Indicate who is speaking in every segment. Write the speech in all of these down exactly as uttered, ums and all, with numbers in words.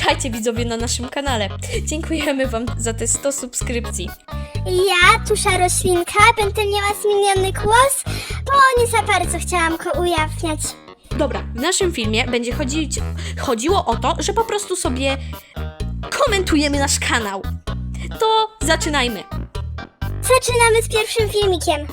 Speaker 1: Witajcie widzowie na naszym kanale. Dziękujemy wam za te sto subskrypcji.
Speaker 2: Ja, Tusza Roślinka, będę miała zmieniony głos, bo nie za bardzo chciałam go ujawniać.
Speaker 1: Dobra, w naszym filmie będzie chodzić, chodziło o to, że po prostu sobie komentujemy nasz kanał. To zaczynajmy.
Speaker 2: Zaczynamy z pierwszym filmikiem.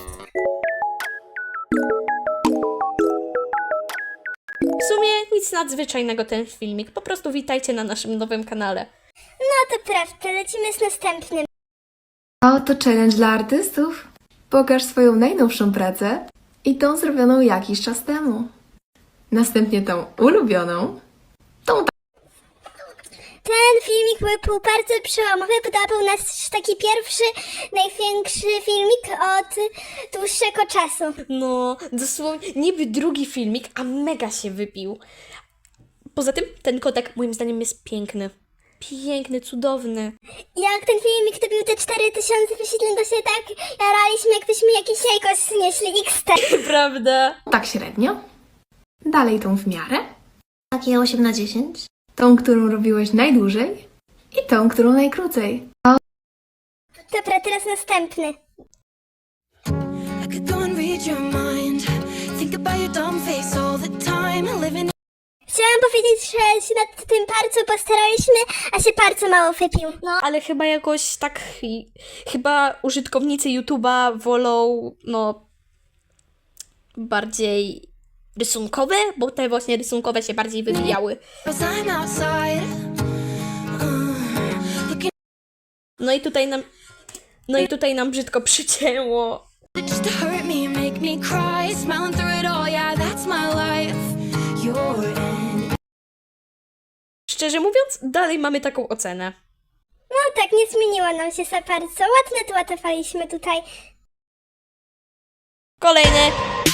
Speaker 1: W sumie nic nadzwyczajnego ten filmik. Po prostu witajcie na naszym nowym kanale.
Speaker 2: No to prawda, lecimy z następnym.
Speaker 3: A oto challenge dla artystów. Pokaż swoją najnowszą pracę i tą zrobioną jakiś czas temu. Następnie tą ulubioną, tą
Speaker 2: Ten filmik był bardzo przełomowy, bo to był nasz taki pierwszy, największy filmik od dłuższego czasu.
Speaker 1: No, dosłownie niby drugi filmik, a mega się wypił. Poza tym ten kotek moim zdaniem jest piękny. Piękny, cudowny.
Speaker 2: Jak ten filmik dobił te cztery tysiące wyświetleń, to się tak jaraliśmy, jakbyśmy jakieś jajko znieśli X T.
Speaker 1: Prawda?
Speaker 3: tak średnio. Dalej tą w miarę.
Speaker 2: Takie osiem na dziesięć.
Speaker 3: Tą, którą robiłeś najdłużej i tą, którą najkrócej.
Speaker 2: Dobra, teraz następny.
Speaker 4: I could go and read your mind. Think about your dumb face all the time. Living
Speaker 2: Chciałam powiedzieć, że się nad tym bardzo postaraliśmy, a się bardzo mało wypił. No,
Speaker 1: Ale chyba jakoś tak, i- chyba użytkownicy YouTube'a wolą, no, bardziej rysunkowe, bo te właśnie rysunkowe się bardziej wybijały.
Speaker 4: cause I'm outside. Uh, looking
Speaker 1: No i tutaj nam, no i tutaj nam brzydko przycięło.
Speaker 4: just to hurt me, make me cry. Smiling through it all, yeah, that's my life. You're in.
Speaker 1: Szczerze mówiąc, dalej mamy taką ocenę.
Speaker 2: no tak, nie zmieniło nam się za bardzo. Ładne dłatowaliśmy tutaj.
Speaker 1: Kolejny.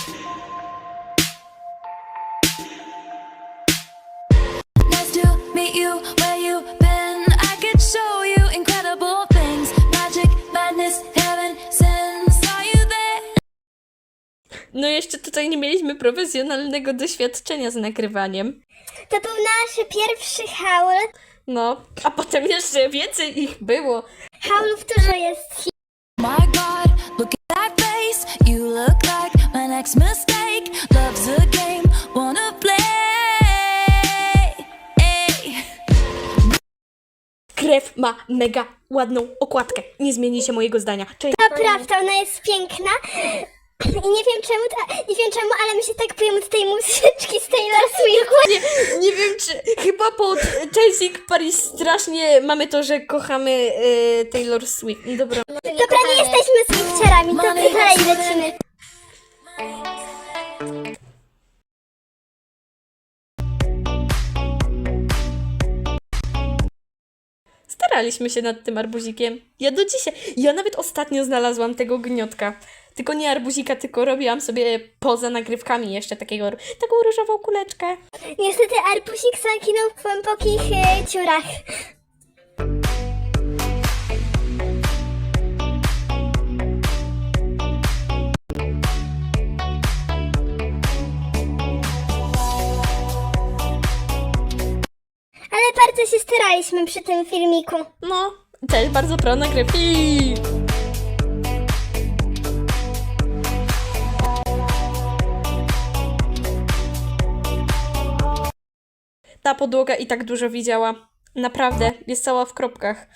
Speaker 4: Nice to meet you where you been. I could show you incredible things. Magic, madness, heaven, sin. Saw you there.
Speaker 1: No jeszcze tutaj nie mieliśmy profesjonalnego doświadczenia z nagrywaniem.
Speaker 2: To był nasz pierwszy haul.
Speaker 1: No, a potem jeszcze więcej ich było.
Speaker 2: Haulów dużo jest.
Speaker 4: My God, look at that face. You look like my next mistake. Love's a game, wanna play.
Speaker 1: Krew ma mega ładną okładkę. Nie zmienicie mojego zdania. Cześć.
Speaker 2: To prawda, ona jest piękna. I nie wiem czemu, ta, nie wiem czemu, ale my się tak boimy z tej muzyczki z Taylor Swift.
Speaker 1: Nie, nie wiem czy, chyba pod Chasing Paris strasznie mamy to, że kochamy e, Taylor Swift. No dobra.
Speaker 2: Dobra, nie jesteśmy Swifterami, to
Speaker 4: Money,
Speaker 2: dalej
Speaker 4: that's
Speaker 2: lecimy.
Speaker 1: Staraliśmy się nad tym arbuzikiem. Ja do dzisiaj, ja nawet ostatnio znalazłam tego gniotka. Tylko nie arbuzika, tylko robiłam sobie poza nagrywkami jeszcze takiego, taką różową kuleczkę.
Speaker 2: Niestety arbusik zaginął w głębokich e, dziurach. Ale bardzo się staraliśmy przy tym filmiku.
Speaker 1: No, też bardzo pro nagrywki. Ta podłoga i tak dużo widziała. Naprawdę, jest cała w kropkach.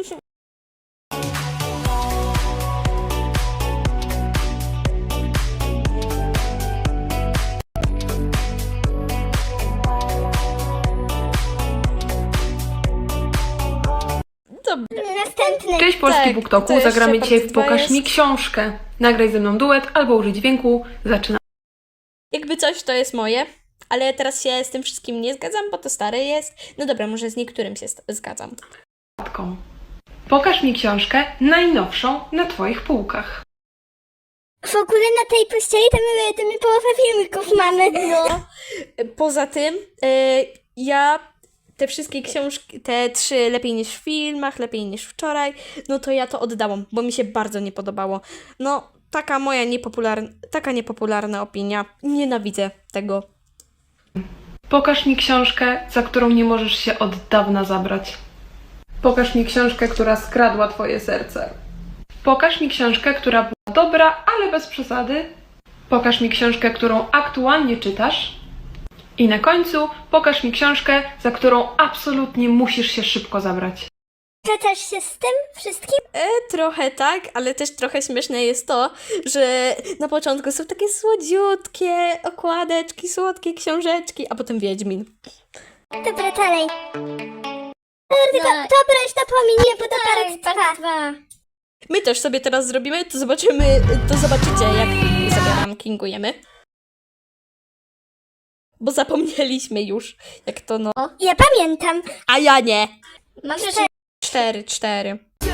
Speaker 1: Dobra.
Speaker 2: Następny.
Speaker 3: Cześć Polski
Speaker 1: Tak,
Speaker 3: BookToku,
Speaker 1: to jeszcze
Speaker 3: zagramy dzisiaj
Speaker 1: part
Speaker 3: w
Speaker 1: dwa
Speaker 3: Pokaż
Speaker 1: jest.
Speaker 3: mi książkę. Nagraj ze mną duet albo użyj dźwięku. Zaczynamy.
Speaker 1: Jakby coś, to jest moje, ale teraz się z tym wszystkim nie zgadzam, bo to stare jest. No dobra, może z niektórym się st- zgadzam.
Speaker 3: Pokaż mi książkę najnowszą na Twoich półkach.
Speaker 2: W ogóle na tej pościeli to my, to my połowę filmików mamy.
Speaker 1: No. Poza tym, e, ja te wszystkie książki, te trzy lepiej niż w filmach, lepiej niż wczoraj, no to ja to oddałam, bo mi się bardzo nie podobało. No, taka moja niepopularna, taka niepopularna opinia. Nienawidzę tego.
Speaker 3: Pokaż mi książkę, za którą nie możesz się od dawna zabrać. Pokaż mi książkę, która skradła twoje serce. Pokaż mi książkę, która była dobra, ale bez przesady. Pokaż mi książkę, którą aktualnie czytasz. I na końcu pokaż mi książkę, za którą absolutnie musisz się szybko zabrać.
Speaker 2: Zgadzasz się z tym wszystkim?
Speaker 1: E, trochę tak, ale też trochę śmieszne jest to, że na początku są takie słodziutkie okładeczki, słodkie książeczki, a potem Wiedźmin.
Speaker 2: Dobra, dalej. Dobra, tylko dobra, już to pominie, bo to part dwa.
Speaker 1: My też sobie teraz zrobimy, to zobaczymy, to zobaczycie, jak sobie rankingujemy. Bo zapomnieliśmy już, jak to no.
Speaker 2: Ja pamiętam.
Speaker 1: A ja nie.
Speaker 2: Mam jeszcze
Speaker 1: Cztery, cztery.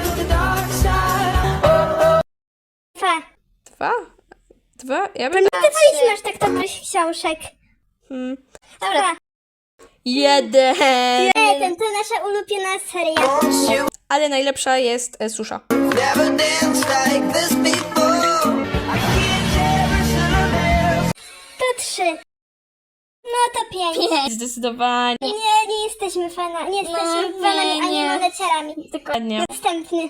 Speaker 2: dwa.
Speaker 1: Dwa? Dwa? Ja bym...
Speaker 2: Ty wolisz masz tak dobrych książek.
Speaker 1: Hmm.
Speaker 2: Dobra.
Speaker 1: Jeden.
Speaker 2: Jeden, to nasza ulubiona seria.
Speaker 1: Ale najlepsza jest e, susza.
Speaker 5: Never danced like this before. I can't ever survive.
Speaker 2: To trzy. No to pięć.
Speaker 1: Zdecydowanie.
Speaker 2: Nie, nie jesteśmy fanami, nie jesteśmy
Speaker 1: No,
Speaker 2: fanami
Speaker 1: nie,
Speaker 2: ani
Speaker 1: nie.
Speaker 2: moneciarami.
Speaker 1: Dokładnie.
Speaker 2: Następny.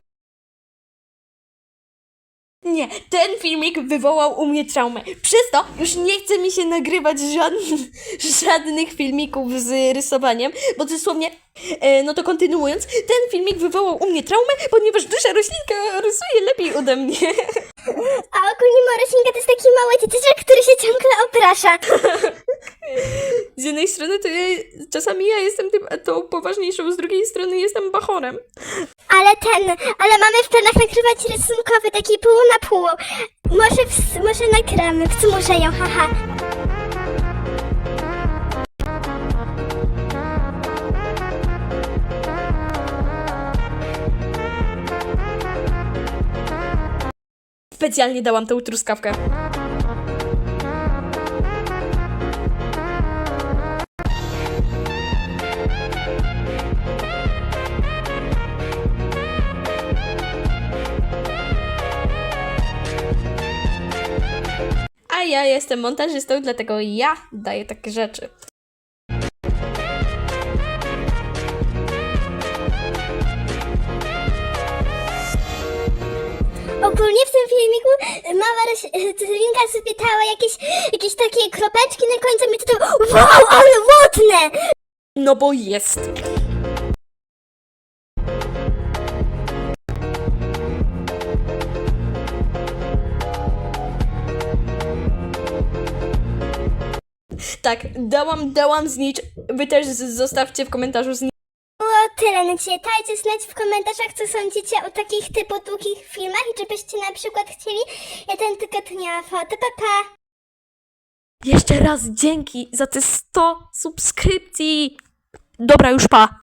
Speaker 1: Nie, ten filmik wywołał u mnie traumę. Przez to już nie chce mi się nagrywać żadnych, żadnych filmików z rysowaniem, bo dosłownie, e, no to kontynuując, ten filmik wywołał u mnie traumę, ponieważ dusza roślinka rysuje lepiej ode mnie.
Speaker 2: A ogólnie Moroślinka to jest taki mały dzieciaczek, który się ciągle oprasza.
Speaker 1: Z jednej strony to ja, czasami ja jestem tym, tą poważniejszą, z drugiej strony jestem bachorem.
Speaker 2: Ale ten, ale mamy w planach nagrywać rysunkowy, taki pół na pół. Może, w, może nagramy, wsmuszę ją, haha.
Speaker 1: Specjalnie dałam tę truskawkę. A ja jestem montażystą, dlatego ja daję takie rzeczy.
Speaker 2: Ogólnie w tym filmiku mała roślinka zapytała jakieś, jakieś takie kropeczki na końcu i to to wow, ale ładne!
Speaker 1: No bo jest. Tak, dałam, dałam znicz. Wy też z- zostawcie w komentarzu znicz.
Speaker 2: Było tyle na dzisiaj. Dajcie znać w komentarzach, co sądzicie o takich typu długich filmach i czy byście na przykład chcieli jeden tygodniowo. To pa pa!
Speaker 1: Jeszcze raz dzięki za te sto subskrypcji. Dobra, już pa.